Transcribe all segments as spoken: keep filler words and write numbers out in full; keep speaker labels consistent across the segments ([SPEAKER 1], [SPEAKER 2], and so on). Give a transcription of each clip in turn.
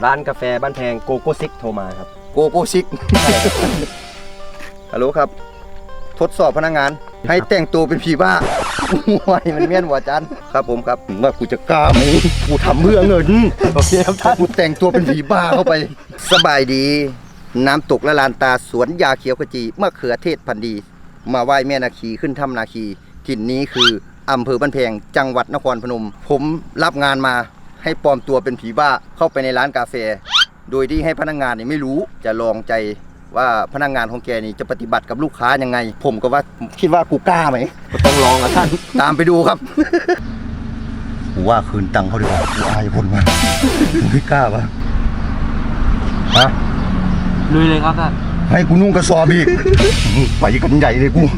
[SPEAKER 1] ร้านกาแฟบ้านแพงโกโก้ซิกโทรมาครับ
[SPEAKER 2] โกโก้ซิกฮัลโหลครับทดสอบพนักงานให้แต่งตัวเป็นผีบ้าห่วยมันเมี้ยนหัวจันครับผมครับว่ากูจะกล้าไหมกูทำเพื่อเงิน
[SPEAKER 1] โอเคครับท่าน
[SPEAKER 2] กูแต่งตัวเป็นผีบ้าเข้าไปสบายดีน้ำตกละลานตาสวนยาเขียวขจีมะเขือเทศพันธุ์ดีมาไหว้แม่นาคีขึ้นถ้ำนาคีถิ่นนี้คืออำเภอบ้านแพงจังหวัดนครพนมผมรับงานมาให้ปลอมตัวเป็นผีบ้าเข้าไปในร้านกาแฟโดยที่ให้พนักงานเนี่ยไม่รู้จะลองใจว่าพนักงานของแกนี่จะปฏิบัติกับลูกค้ายังไงผมก็ว่าคิดว่ากูกล้าไหม
[SPEAKER 1] ก็ต้องลองนะท่าน
[SPEAKER 2] ตามไปดูครับกูว่าคืนตังค์เขาดีกว่ากูอายคนมาไม่กล้าปะฮะ
[SPEAKER 1] ลุยเลยครับท่าน
[SPEAKER 2] ให้กูนุ่งกระสอบอีกไปกันใหญ่เลยกู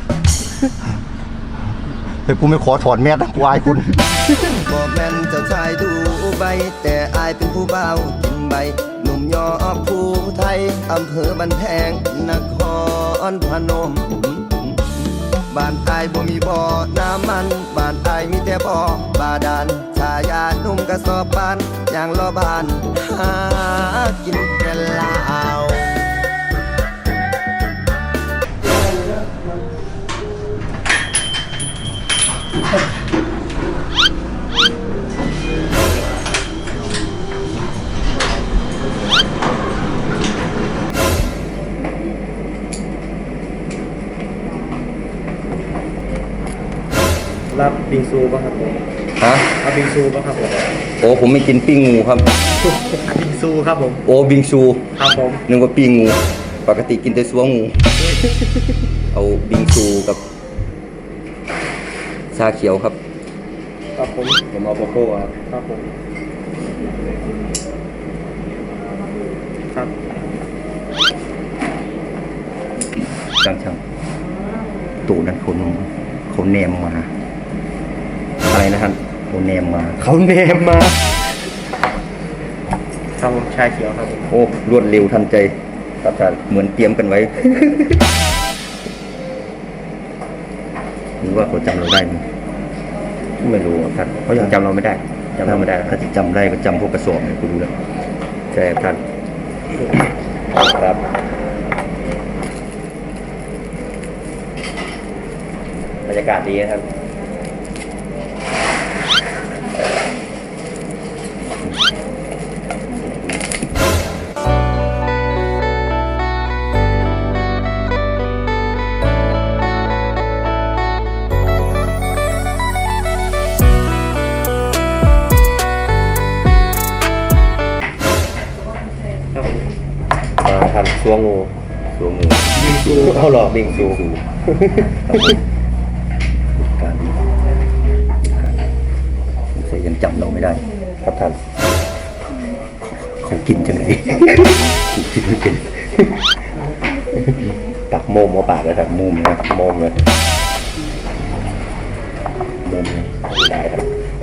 [SPEAKER 2] แต่กูไม่ขอถอดแมสนะกูอายคุณบอกแม่นเจ้าชายดูใบแต่อายเป็นผู้เบากินใบหนุ่มยอผู้ไทยอำเภอบ้านแพงนครพนมบ้านอายบ่มีบ่อน้ำมันบ้านอายมีแต่บ่อบาดาลชายาหนุ่มกระสอบบ้านอย่างล้อบ้านหากินแต่ลาว
[SPEAKER 1] รับบิงซูป่ะครับผม
[SPEAKER 2] ฮะ
[SPEAKER 1] รับบิงซูป่ะครับผม
[SPEAKER 2] โอ้ผมไม่กินปิ้งงูครับ
[SPEAKER 1] บิงซูครับผม
[SPEAKER 2] โอ้บิงซู
[SPEAKER 1] ครับผม
[SPEAKER 2] นึกว่าปิ้งงูปกติกินแต่ซัวงูเอาบิงซูกับชาเขียวครับ
[SPEAKER 1] ครับผม
[SPEAKER 2] ผมเอาโกโก้ครับ
[SPEAKER 1] ครับผมครับ
[SPEAKER 2] ช่างช่างตู่นั้นคนเขาเนมมาอะไรนะท่านเขาเนมมา
[SPEAKER 1] เขาเนมมาครับผมชาเขียวครับ
[SPEAKER 2] โอ้รวดเร็วทันใจครับท่านเหมือนเตรียมกันไว้หรือว่าเขาจำเราได้ไหมไม่รู้ท่าน
[SPEAKER 1] เขายังจำเราไม่ได้
[SPEAKER 2] จำเราไม่ได้ถ้าจะจำได้ก็จำพวกกระสอบเนี่ยกูดูแล้วใช่ท่านครับบรรยากาศดีนะครับมาทำซัวงูซัวงู
[SPEAKER 1] บิงซู
[SPEAKER 2] เขาหลอกบิงซูการเสียยังจำเราไม่ได้ครับท่านเขากินจังไงกินไม่เป็นตักโมมมาปากเลยครับโมมนะโมมเลยโมมได้ครับ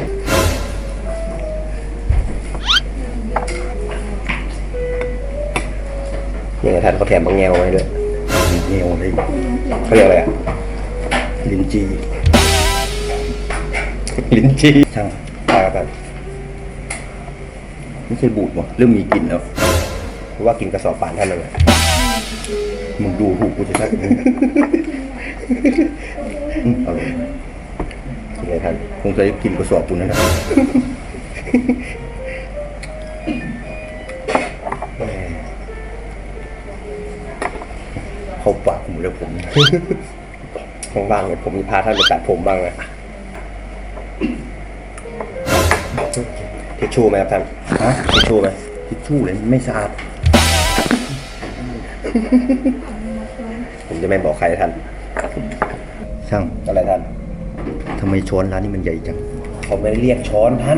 [SPEAKER 2] นี่ไงท่านเขาแถมบางแงวไว้ด้วยแงวอะไรเขาเรียกอะไรอ่ะลิ้นจีลิ้นจีช่างตากันไม่ใช่บูดวะเริ่มมีกลิ่นแล้วเพราะว่ากินกระสอบป่านท่านเลยมึงดูหูกูจะชักเอาเลยนี่ไงท่านคงจะกินกระสอบคุณนะครับเขาปากผมเลยผมข้างบ้างเลยผมมีพาท่านไปตัดผมบ้างเลยทิชชู่ไหมครับท่านฮะทิชชู่ไหมทิชชู่เลยไม่สะอาดผมจะไม่บอกใครท่านช่างอะไรท่านทำไมช้อนร้านนี้มันใหญ่จังเขาไม่ได้เรียกช้อนท่าน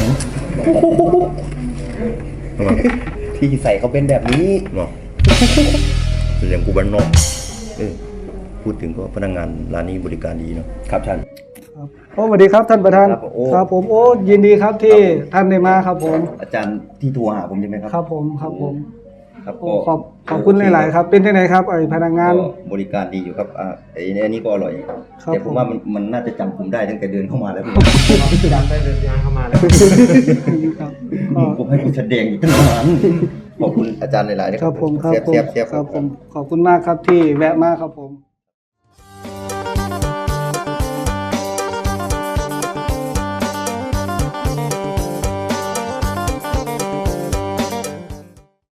[SPEAKER 2] ที่ใส่เขาเป็นแบบนี้เนาะเรื่องกูบ้านนอกเออพูดถึงก็พนักงานร้านนี้บริการดีเนาะครับท่าน
[SPEAKER 3] โอ้สวัสดีครับท่านประธานครับผมโอ้ยินดีครับที่ท่านได้มาครับผม
[SPEAKER 2] อาจารย์ที่โทรหาผมใช่ไหมครับ
[SPEAKER 3] ครับผมครับผม
[SPEAKER 2] ครับ
[SPEAKER 3] โอ้ขอบขอบคุณหลายๆครับ เป็นยังไงครับไอ้พนักงาน
[SPEAKER 2] ก็บริการดีอยู่ครับอ่าไอ้เนี่ยอันนี้ก็อร่อย
[SPEAKER 3] ครับ
[SPEAKER 2] แต่ผ
[SPEAKER 3] ผม ม
[SPEAKER 2] ว่ามันมันน่าจะจำผมได้ตั้งแต่เดินเข้ามาแล้ว
[SPEAKER 1] จำได้เดินงานเข้ามาแล้ว
[SPEAKER 3] ครับก็
[SPEAKER 2] ผมให้คุณแสดงอยู่ตั้งนานขอบคุณอาจารย์หลายๆนะ
[SPEAKER 3] ครับผมครับ
[SPEAKER 2] เสียบ
[SPEAKER 3] ผม
[SPEAKER 2] เสียบเสียบ
[SPEAKER 3] ครับผมขอบคุณมากครับที่แวะมาครับผม